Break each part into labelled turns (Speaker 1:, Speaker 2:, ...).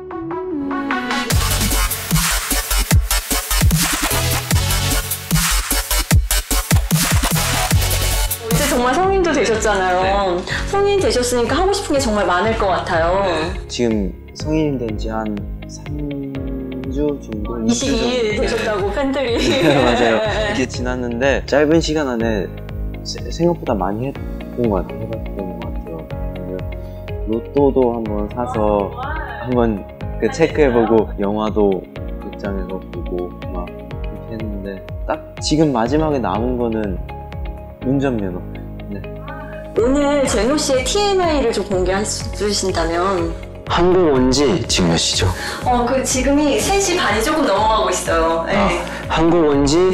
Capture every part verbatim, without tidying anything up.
Speaker 1: 이제 정말 성인도 되셨잖아요. 네. 성인 되셨으니까 하고 싶은 게 정말 많을 것 같아요. 네.
Speaker 2: 지금 성인 된 지 한 삼 주 정도?
Speaker 1: 이십이 일 되셨다고 네. 팬들이.
Speaker 2: 네, 맞아요. 이게 지났는데 짧은 시간 안에 생각보다 많이 해본 것 같아요. 해봤던 것 같아요. 로또도 한번 사서 한번 그 체크해보고 영화도 극장에서 보고 막 그렇게 했는데 딱 지금 마지막에 남은 거는 운전면허. 네.
Speaker 1: 오늘 제노 씨의 티엠아이를 좀 공개해 주신다면?
Speaker 3: 한국 온 지 지금 몇 시죠?
Speaker 1: 어, 그 지금이 세 시 반이 조금 넘어가고 있어요. 네.
Speaker 3: 아, 한국 온 지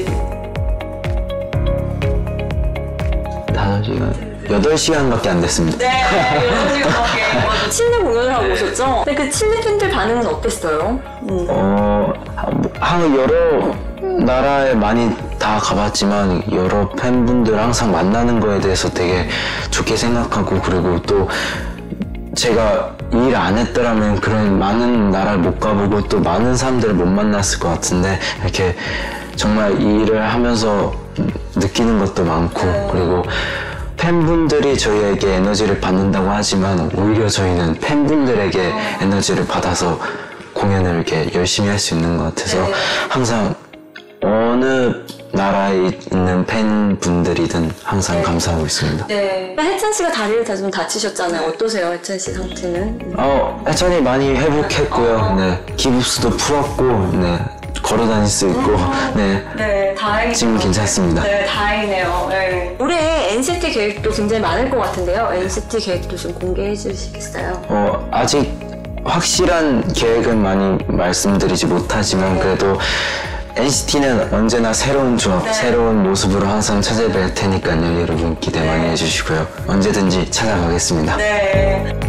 Speaker 3: 다섯 시간, 여덟 시간밖에 안 됐습니다.
Speaker 1: 네, 여덟 시간밖에. 칠레 공연을 하고 오셨죠? 근데 그 칠레 팬들 반응은 어땠어요? 음.
Speaker 3: 어, 한 여러 나라에 많이 다 가봤지만 여러 팬분들 항상 만나는 거에 대해서 되게 좋게 생각하고, 그리고 또 제가 일 안 했더라면 그런 많은 나라를 못 가보고 또 많은 사람들을 못 만났을 것 같은데, 이렇게 정말 이 일을 하면서 느끼는 것도 많고, 그리고 팬분들이 저희에게 에너지를 받는다고 하지만 오히려 저희는 팬분들에게 에너지를 받아서 공연을 이렇게 열심히 할 수 있는 것 같아서 항상 어느 나라에 있는 팬분들이든 항상 감사하고 있습니다.
Speaker 1: 네. 혜찬 씨가 다리를 다 좀 다치셨잖아요. 어떠세요, 혜찬 씨 상태는?
Speaker 3: 어, 혜찬이 많이 회복했고요. 네, 기부스도 풀었고, 네, 걸어 다닐 수 있고, 네,
Speaker 1: 네, 다행이네요.
Speaker 3: 지금 괜찮습니다.
Speaker 1: 네, 다행이네요. 네. 올해 엔시티 계획도 굉장히 많을 것 같은데요. 엔시티 계획도 좀 공개해 주시겠어요?
Speaker 3: 어, 아직 확실한 계획은 많이 말씀드리지 못하지만 그래도 엔시티는 언제나 새로운 조합, 네. 새로운 모습으로 항상 찾아뵐 테니까요. 여러분 기대 많이 해주시고요. 언제든지 찾아가겠습니다.
Speaker 1: 네.